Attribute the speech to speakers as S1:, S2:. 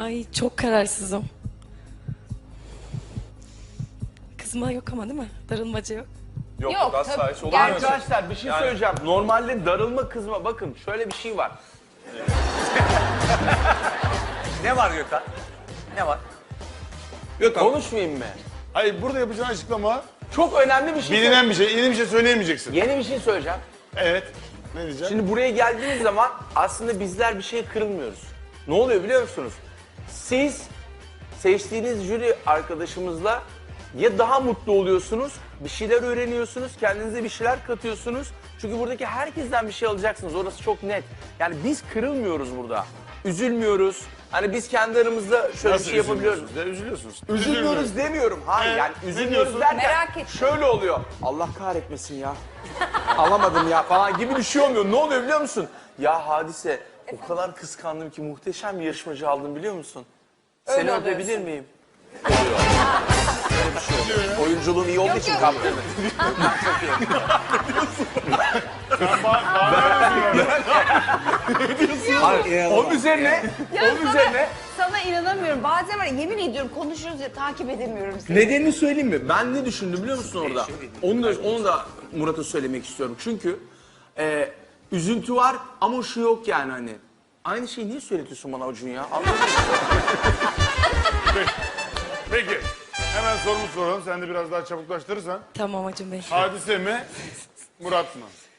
S1: Ay çok kararsızım. Kızma yok ama değil mi? Darılmaca yok.
S2: Yok,
S3: Yok,
S2: asla
S3: tabii.
S2: hiç olur mu öyle şey?
S4: Arkadaşlar bir şey söyleyeceğim. Normalde darılma kızma bakın şöyle bir şey var.
S5: Ne var Gökhan? Ne var?
S2: Gökhan,
S4: Konuşmayayım mı?
S2: hayır burada yapacağın açıklama
S4: Çok önemli bir şey.
S2: bilinen bir şey, yeni bir şey söyleyemeyeceksin.
S4: Yeni bir şey söyleyeceğim.
S2: Evet. Ne diyeceğim?
S4: Şimdi buraya geldiğiniz zaman aslında bizler bir şeye kırılmıyoruz. Ne oluyor biliyor musunuz? Siz seçtiğiniz jüri arkadaşımızla ya daha mutlu oluyorsunuz, bir şeyler öğreniyorsunuz, kendinize bir şeyler katıyorsunuz. Çünkü buradaki herkesten bir şey alacaksınız. Orası çok net. Yani biz kırılmıyoruz burada. Üzülmüyoruz. Hani biz kendi aramızda şöyle bir şey yapabiliyoruz.
S2: Üzülüyorsunuz.
S4: Üzülmüyoruz demiyorum. Hayır yani
S2: ne
S4: üzülmüyoruz
S2: diyorsun?
S4: derken
S3: Merak ettim.
S4: şöyle oluyor. Allah kahretmesin ya. Alamadım ya falan gibi bir şey olmuyor. Ne oluyor biliyor musun? Ya Hadise o kadar kıskandım ki muhteşem bir yarışmacı aldım biliyor musun? Seni
S3: Öyle
S4: öpebilir
S3: oluyorsun.
S4: miyim? Oluyor. Böyle bir şey oluyor. Oyunculuğum iyi olduğu için
S3: yok.
S4: kaptırdım. Onun üzerine,
S3: Ya
S4: onun üzerine
S3: sana inanamıyorum. Bazen var ya, yemin ediyorum konuşuyoruz ya takip edemiyorum seni.
S4: nedenini söyleyeyim mi? Ben ne düşündüm biliyor musun orada? Onu da Murat'a söylemek istiyorum. Çünkü üzüntü var ama şu yok yani hani. Aynı şeyi niye söyletiyorsun bana Acun ya? Anladın mı?
S2: Peki. Hemen sorumu soralım. Sen de biraz daha çabuklaştırırsan.
S1: Tamam Acun Bey.
S2: Hadise mi? Murat mı?